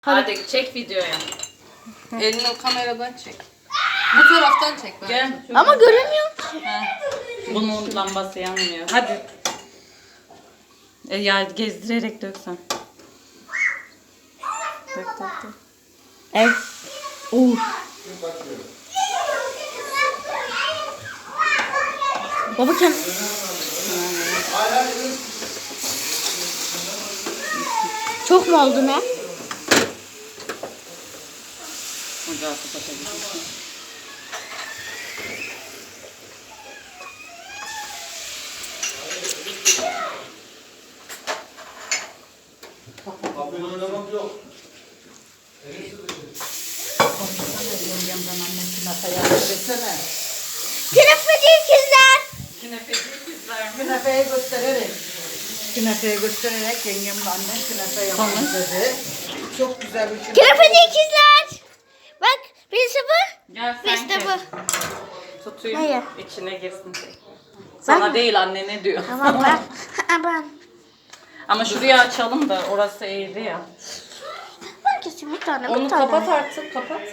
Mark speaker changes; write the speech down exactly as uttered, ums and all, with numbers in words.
Speaker 1: Hadi çek videoya.
Speaker 2: Elini o kameradan çek. Bu taraftan çek. Ben.
Speaker 1: Gel.
Speaker 3: Ama göremiyorum ki.
Speaker 1: Ha. Bunun lambası yanmıyor. Hadi. E ya gezdirerek döksen. Dök dök dök.
Speaker 3: Evet. Oh. Baba kend... Çok mu oldu ne?
Speaker 1: Ocağı kapatabilirsin.
Speaker 4: Kapıyla oynamak yok.
Speaker 3: Künefeci ikizler.
Speaker 1: Künefeci ikizler mi?
Speaker 5: Künefeyi göstererek, künefeyi göstererek yengemle annem künefe yapmış dedi. Çok güzel bir künefe.
Speaker 3: Künefeci ikizler. Bak birisi bu.
Speaker 1: Gel sen
Speaker 3: Birisi de
Speaker 1: kes.
Speaker 3: bu.
Speaker 1: Tutayım.
Speaker 3: Hayır.
Speaker 1: İçine girsin. Sana
Speaker 3: Ben-
Speaker 1: değil annene diyor.
Speaker 3: Tamam ben. Ha, ben.
Speaker 1: Ama şurayı açalım da orası eğri ya.
Speaker 3: Ben keseyim bir tane bir
Speaker 1: Onu
Speaker 3: tane.
Speaker 1: kapat artık kapat.